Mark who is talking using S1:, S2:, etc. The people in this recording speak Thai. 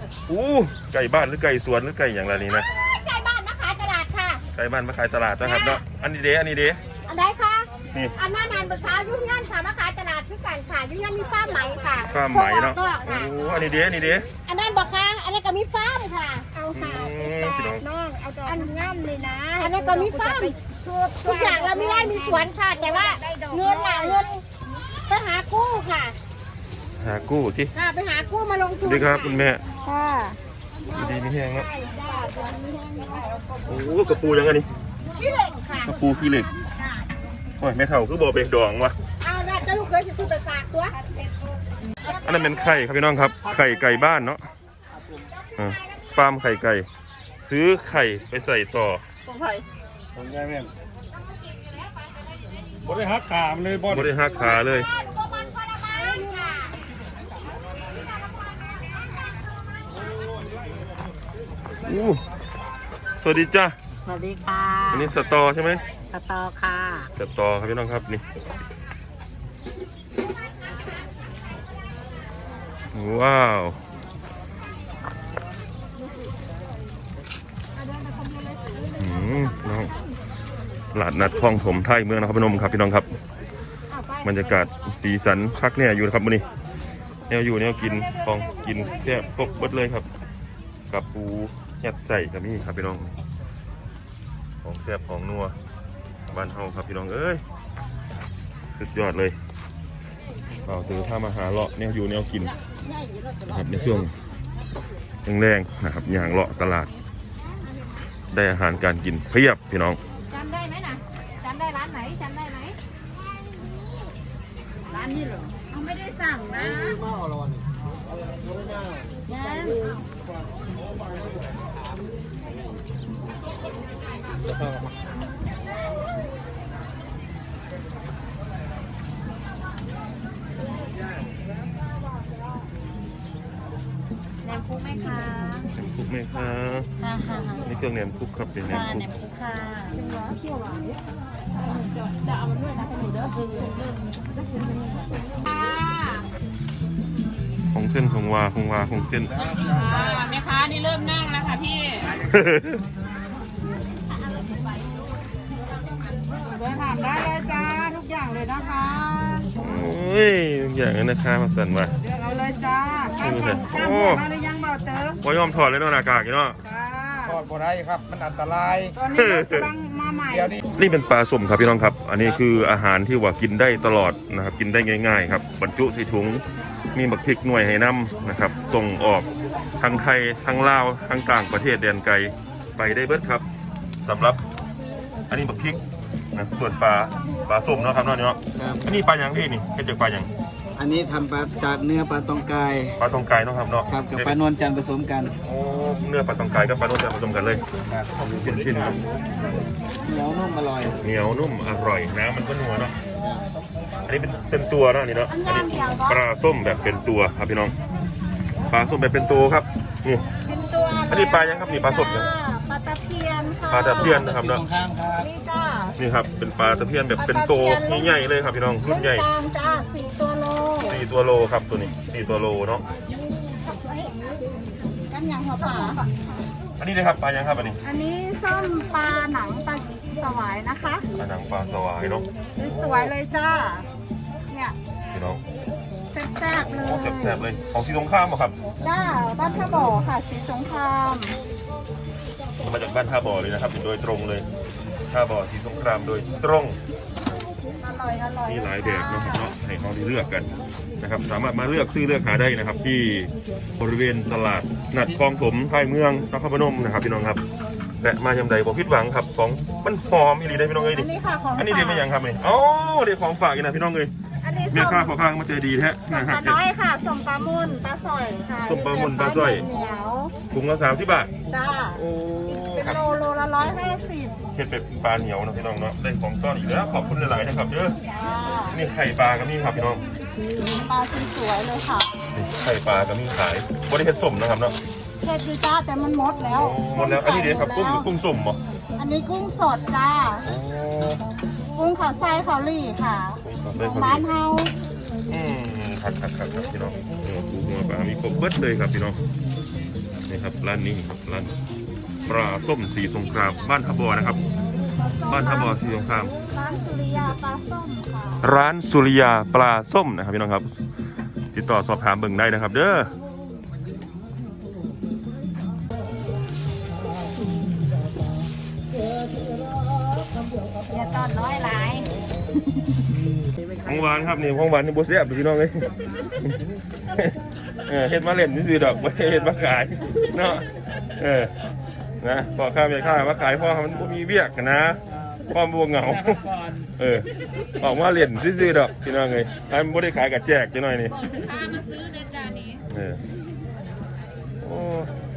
S1: ไก่บ้านหรือไก่สวนหรือไก่อย่างไรนี่นะ
S2: ไก่บ้านมาขายตลาดค่ะ
S1: ไก่บ้านมาขายตลาดนะครับเนาะอันนี้เด้
S2: อันไหนคะนี่อันนั้นนานประชายุ่งยันค่ะมาขายตลาดคือกันค่ะยุ่งยันมีฟ้าไหมค่ะ
S1: ฟ้าไหมเนาะอันนี้เด้
S2: อันนั้นบอกค่ะอันนั้นก็มีฟ้าค่ะเอาค่ะ
S3: น้องเอาอันง่ามเลยนะ
S2: อันนั้นก็มีฟ้าทุกอย่างเราไม่ได้มีสวนค่ะแต่ว่าเงินไปหากู้ค่ะ
S1: หากู้ที่
S2: ไปหากู้มาลงทุน
S1: ดีครับคุณแม่
S2: ค่ะ
S1: ดีนี่แห้งแล้วกระปูยังไงนี่
S2: ขี้เหล็กค่ะ
S1: กระปูขี้เหล็กโอ้ยแม่เฒ่าคือบ่อเบกดองวะ
S2: เอาละจะลูกเคยซื้อไปฝากตัว
S1: อันนั้นเป็นไข่ครับพี่น้องครับไข่ไก่บ้านเนาะฟาร์มไข่ไก่ซื้อไข่ไปใส่ต่อ
S3: ของไผ่ของยายแม่บริหักขาเลย
S1: บริหักขาเลยสวัสดีจ้า
S2: สวัสดีค่ะ
S1: อันนี้สตอใช่ไหม
S2: สตอค่ะ
S1: สตอครับพี่น้องครับนี่ว้าวน้องตลาดนัดคลองถมไทยเมืองนครพนมครับพี่น้องครับบรรยากาศสีสันพักเนี่ยอยู่นะครับวันนี้แนวอยู่แนวกินของกินแซ่บครบเบิดเลยครับกับปูยัดใส่กับนี่ครับพี่น้องของแซ่บของนัวบ้านเฮาครับพี่น้องเอ้ยสุดยอดเลยเราถือถ้ามาหาเลาะแนวอยู่แนวกินนะครับในช่วงแรงๆนะครับอย่างเลาะตลาดได้อาหารการกินเพียบพี่น้อง
S2: จำได้ไหมนะจำได้ร้านไหนจำได้ไหมร้านนี้เหรอเขาไม่ได้สั่งนะแหนมคุกไหมคะ
S1: แหนมคุกไหมคะนี่เครื่องแหนมคุกครับเป็นแหนมคุก
S2: ค่ะเป็นร้อนเที่ยวหวานจะเอามันด้วยนะให้หนูเด้อ
S1: ของเส้นของวาของเส้น
S2: แม่ค้านี่เริ่มนั่งแล้วค่ะพี่เดินถามได้เลยจ้าทุกอย่างเลยนะคะ
S1: โอ้ยอย่างนั้นนะคะมาสั่นว่า
S2: เดี๋ยวเอาเลยจ้าข้ามมาหรือยังเบาเต๋อ
S1: พอยอมถอดเลยเนาะหน้ากากเนาะ
S3: ถอดบ่ได้ครับมันอันตราย
S2: ตอนนี้กำลังมาใหม่
S1: นี่เป็นปลาส้มครับพี่น้องครับอันนี้คืออาหารที่ว่ากินได้ตลอดนะครับกินได้ง่ายๆครับบรรจุใส่ถุงมีบักพริกหน่วยให้น้ำนะครับส่งออกทั้งไทยทั้งลาวทั้งต่างประเทศแดนไกลไปได้เบิดครับสำหรับอันนี้บักพริกนะส่วนปลาส้มเนาะครับเนาะอันนี้ปลาอย่างพี่นี่เป็นจากปลาอย่าง
S4: อันนี้ทำปลาจากเนื้อปลาตองกาย
S1: เนาะครับเนาะ
S4: ครับกับปลานวลจันทร์ผสมกัน
S1: โอ้เนื้อปลาตองกายกับปลานวลจันทร์ผสมกันเลยชิ้นครับ
S4: เหนียวนุ่มอร่อย
S1: น้ำมันก็นัวเนาะอันนี้เป็นตัวเนาะนี่เนาะอันนี้ปลาส้มแบบเป็นตัวครับพี่น้องปลาส้มแบบเป็นตัวครับนี่อันนี้ปลายังครับนี่ปลาส้มยัง
S2: ปลาตะเพียนค่ะ
S1: ปลาตะเพียนนะครับเนาะ
S2: นี่จ้า
S1: นี่ครับเป็นปลาตะเพียนแบบเป็นตัวใหญ่ๆเลยครับพี่น้องรุ่นใหญ่
S2: จ้า4
S1: ตัวโลครับตัวนี้4 ตัวโลเนาะ
S2: กันอย่างหัวปลา
S1: อันนี้นะครับปลายังครับอัน
S2: นี้ส้มปลาหนังปลาสวายนะคะ
S1: ปลาหนังปลาสวายเนาะ
S2: สวยเลยจ้าเนี่ย
S1: พี่น้อง
S2: แซ่บๆเลย
S1: แซ่บเลยของสีสงครามเหรอครับ
S2: จ้าบ้านท่าบ่อค่ะสีสงคราม
S1: มาจากบ้านท่าบ่อเลยนะครับโดยตรงเลยท่าบ่อสีสงครามโดยตรง
S2: อร่อย
S1: มีหลายแบบนะครับเนาะให้เขาได้เลือกกันนะครับสามารถมาเลือกซื้อเลือกหาได้นะครับที่บริเวณตลาดนัดคลองถมไทยเมืองนครพนมนะครับพี่น้องครับและมายำใดบ่ผิดหวังครับของมันหอมอีหลีได้พี่น้องเอ้ยดิอันนี้เดี๋ยวไม่ยังครับนี่อ๋อเดี๋ยวของฝากอีกนะพี่น้องเอ้ยเมียข้าขอข้างมาใจดีแท้
S2: นะครับน้อยค่ะส้มปลามุนปลาสร้อยค่ะ
S1: ส้มปลามุนปลาสร้อยถุงละ30 บาท
S2: จ้าโอ้เป็นโลละ150
S1: เห็ดเป็ดปลาเหนียวนะพี่น้องเนาะได้ของต้อนอีกแล้วขอบคุณหลายๆนะครับเด้อนี่ไข่ปลาก็มีครับพี่น้อง
S2: ปลาสวยเลยค่ะ
S1: ไข่ปลาก็มีขายบริเวณส้มนะครับเนาะ
S2: เห็ดดีจ้าแต่มันหมดแล้ว
S1: อันนี้เดี๋ยวครับกุ้งส้มเหรอ
S2: อันนี้กุ้งสดจ้ากุ้งขาไส้ขาลี่ค่ะบ้านเฮา
S1: ครับพี่น้องปูหัวปลามีครบเบิดเลยครับพี่น้องนี่ครับร้านนี้ครับร้านปลาส้มสีสงครามบ้านท่าบ่อนะครับ บ้านท่าบ่อสีสงคราม
S2: ร้านสุริยาปลาส้มค่ะ
S1: ร้านสุริยาปลาส้มนะครับพี่น้องครับ ติดต่อสอบถามเบิ่งได้นะครับเด้อ
S2: อย่าตอนน้อยหลาย
S1: ของหวานครับนี่ของหวานนี่บ่แซ่บพี่น้องเอ้ย เฮ็ดมาเล่นซื่อๆดอกบ่ได้เฮ็ดมาขายเนาะนะพ่อค้าแม่ค้ามาขายพ่อมันบ่มีเวียกนะพ่อบ่เหงาออกมาเล่นซื่อๆดอกพี่น้องเอ้ยอันบ่ได้ขายกับแจกจังหน่อยนี่
S2: พามาซื้อในจานนี้
S1: โอ้